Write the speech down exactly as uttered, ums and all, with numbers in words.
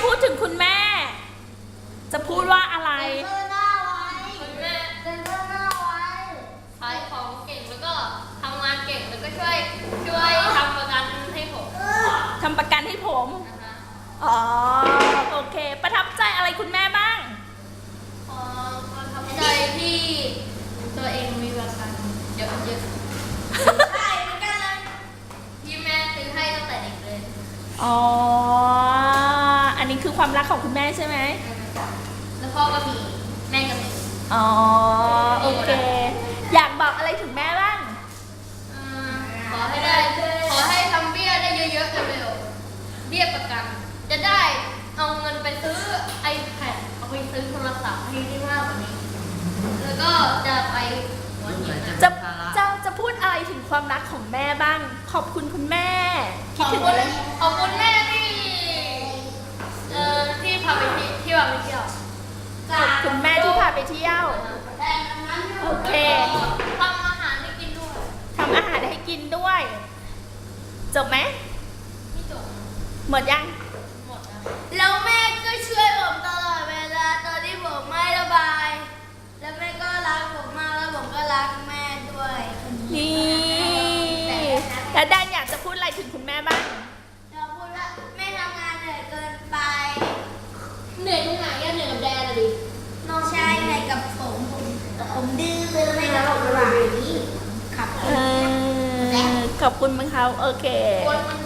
พูดถึงคุณแม่ จะพูดว่าอะไรเซ็นเซอร์หน้าไว้คุณแม่เซ็นเซอร์หน้าไว้ขายของเก่งแล้วก็ทำงานเก่งแล้วก็ช่วยช่วยทำประกันให้ผมทำประกันให้ผมนะคะอ๋อโอเค ประทับใจอะไรคุณแม่บ้างเอ่อประทับใจที่ตัวเองมีประกันเยอะเยอะใช่เหมือนกันเลยที่แม่ซื้อให้ตั้งแต่เด็กเลยอ๋ออันนี้คือความรักของคุณแม่ใช่ไหมแล้วพ่อก็มีแม่ก็มีอ๋อโอเค อยากบอกอะไรถึงแม่บ้างอ่าขอให้ได้ขอให้ทำเบี้ยได้เยอะๆเร็วๆเบี้ยประกัน จะได้เอาเงินไปซื้อ iPad เอาไปซื้อโทรศัพท์ให้ได้มากกว่านี้ แล้วก็จะไปหัวหินนะจะจะจะพูดอะไรถึงความรักของแม่บ้าง ขอบคุณคุณแม่ขคิดอบถึงคุอะไรณขอบคุณแม่ที่เอ่อที่พาไปที่ที่พาไปเที่ยวขอบคุณแม่ที่พาไปเที่ยวแต่ดังนั้นอยู่โอเคทำอาหารให้กินด้วยทำอาหารให้กินด้วย จบไหมไม่จบหมดยังหมดแล้วแล้วแม่ก็ช่วยผมตลอดเวลาตอนที่ผมไม่ระบาย แล้วแม่ก็รักผมมากแล้วผมก็รักแม่ด้วยนี่แล้วแดนอยากจะพูดอะไรถึงคุณแม่บ้างเราพูดว่าแม่ทำงานเหนื่อยเกินไปเหนื่อยตรงไหนอะเหนื่อยกับแดนอะดิน้องชายเหนื่อยกับผมผมผมดื้อเลยไม่รับระบายขับเออขอบคุณมั้งเขาโอเคคนมัน